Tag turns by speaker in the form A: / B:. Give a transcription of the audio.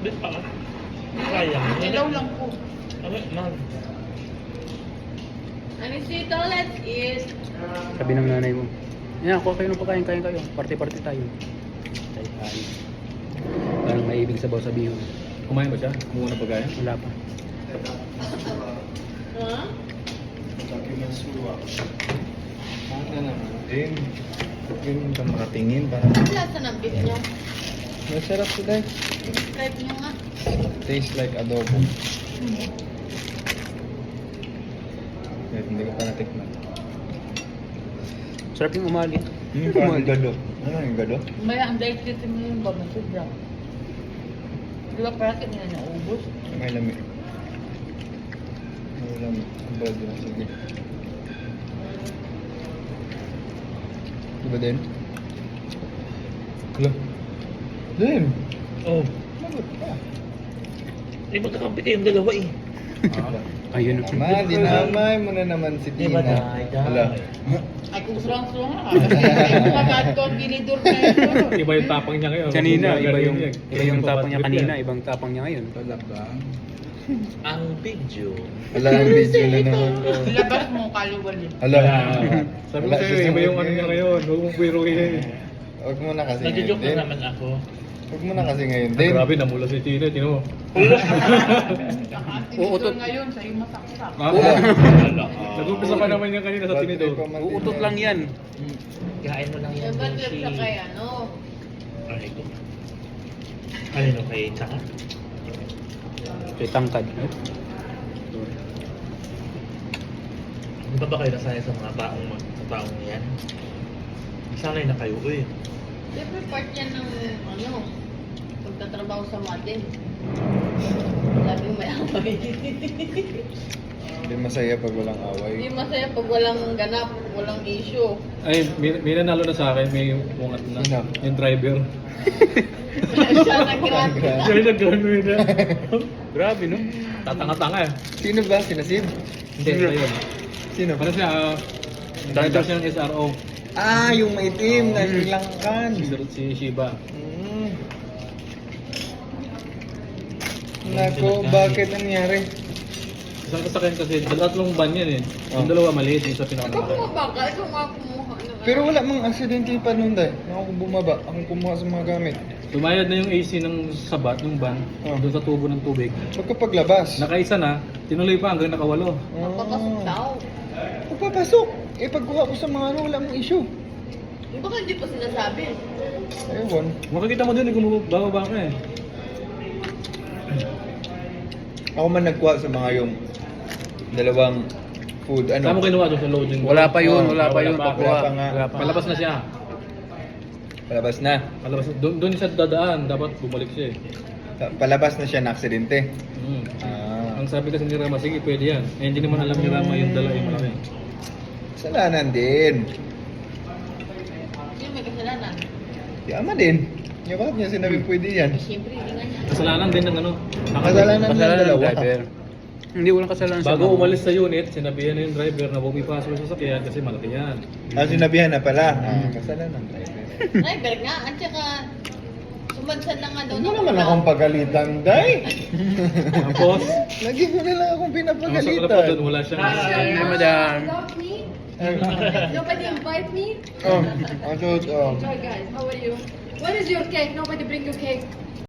A: Di pa. Sayang.
B: Ilaw lang po.
A: Ano, man.
B: Anisito, let's eat.
C: Sabi ng nanay mo, yan, kuha kayo ng pagkain, kain kayo. Party-party tayo. Tayo. Parang may ibig sabaw sabihin.
D: Kumain ba siya? Kumuha na pagkain?
C: Wala pa.
B: Ha?
E: Ano naman din. Ganun ka makatingin para
B: Ang lasa ng beef niyo.
E: masarap sila.
B: Describe niyo nga.
E: Taste like adobo. Kahit hindi ko pa natikman.
C: Sarap yung umali.
E: Parang gado. Ano yung gado?
B: Maya, ang dahil dito mo yung baba sobra. Di ba parang kanina naubos?
E: May lamig. May lamig. Ang bad na. Sige. Diba din? Hello? Din!
A: Oh.
E: Lagot ka.
A: Eh, magkakampi kayong dalawa eh.
C: Ayun.
E: Ma, dinamay mo na naman si
A: Di ba,
E: Tina.
A: day?
E: Hala.
B: Ay, kung surang-surang ka. Kasi pagkat ko ang ginidor na ito.
D: Iba yung tapang niya ngayon.
C: Kanina, iba yung
D: Ganyan pa
C: tapang niya
D: bad trip
C: kanina,
D: yan.
C: ibang tapang niya ngayon.
E: Wala ba?
A: Ang video.
E: Wala ang video na naman.
B: Labas mo, kaliwali.
E: Hala.
D: Sabi ko
E: Wala
D: sa'yo,
E: siya sa
D: iba yung
E: mood
D: ano niya
E: ngayon.
D: ngayon. Huwag mong biruin.
E: Huwag mo na kasi
A: Nagjo-joke
E: ngayon
A: na
E: din.
A: naman ako.
E: Huwag mo na kasi ngayon din.
D: Grabe, namula si Tina. Tino mo.
B: Tinidor ngayon, sa'yo masaksak.
D: Nag-umpisa pa naman yan kanina sa
E: Bad
D: tinidor.
E: trip pa man din
C: Uutot
E: yan.
C: lang yan.
A: Kain mo lang yan.
B: Yung bad trip
A: Beshi.
B: sa kay ano.
A: Ay, ito. Kanino kay Tsaka?
C: Kay tangkad.
A: Hindi pa ba kayo nasanay sa mga taong yan? Sanay na kayo eh.
B: Siyempre part yan ng ano, pagtatrabaho sa Madin. Laging may away.
E: Hindi masaya pag walang
B: Hindi
E: away.
B: masaya pag walang ganap, walang issue.
D: Ay, may nanalo na sa akin. May bungat na.
E: Sino?
D: Yung driver.
B: Siya nag-grant.
D: Siya yung nag-gano'n na.
C: Grabe, no?
D: Tatanga-tanga eh.
E: Sino ba? Sinasid?
D: Hindi, ito yun.
E: Sino?
D: Ano siya? Driver siya ng SRO.
E: Ah, yung maitim na Sri Lankan.
D: Si Shiba.
E: Mm. Nako, bakit nangyari?
D: Isang kasakyan kasi, tatlong van yan eh. Yung dalawa maliit, yung sa
B: Ikaw
D: pinakamalaki.
B: bumaba ka, ikaw nga kumuha.
E: Pero wala mang aksidente pa noon dahil. Ako bumaba, akong kumuha sa mga gamit.
D: Tumayad na yung AC ng sabat, ng van,
E: Oh.
D: doon sa tubo ng tubig.
E: Pagkapaglabas.
D: Nakaisa na, tinuloy pa hanggang nakawalo.
B: Magpapasok daw.
E: Pagpapasok. Eh, pagkuha ko sa mga ano, wala mong issue.
B: Yung baka hindi pa sinasabi.
E: Ewan.
D: Makikita mo din, bababa ka eh.
E: Ako man nagkuha sa mga yung dalawang food,
D: Saan mo
E: ano.
D: kinuha doon sa loading?
C: Wala pa yun,
E: Oh,
C: wala pa yun.
D: wala pa.
C: Pagkuha.
E: Wala pa nga.
C: Wala pa.
D: Palabas na siya.
E: Palabas na.
D: Palabas, doon siya dadaan, dapat bumalik siya eh.
E: Palabas na siya na aksidente.
D: Mm.
E: Ah,
D: Ang sabi kasi ni Rama, sige pwede yan. Eh, hindi naman alam ni Rama yung dala yung malaki.
E: kasalanan din.
B: Sino may kasalanan?
E: Yama din. Yung bakit niya sinabi pwede yan?
B: Eh, siyempre, hindi nga niya.
D: Kasalanan din ng ano.
E: Kasalanan ng
C: Kasalanan ng
E: dalawa.
C: driver. Hindi, walang kasalanan
D: Bago
C: mga-
D: umalis sa unit, sinabihan na yung driver na huwag ipasok sa sasakyan kasi malaki yan.
E: Ah, sinabihan na pala. Ah, kasalanan ng driver.
B: Driver nga, at saka sumadsan na nga daw.
E: Huwag mo naman akong pagalitan, Day.
D: Tapos,
E: Lagi mo na lang akong
D: ang masakla pa doon,
E: pinapagalitan.
D: wala siyang...
C: Hi, madam.
F: Love me?
E: Ay,
F: Nobody invite me?
E: oh, ang suot, oh.
F: Hi guys, how are you? Where is your cake? Nobody bring you cake.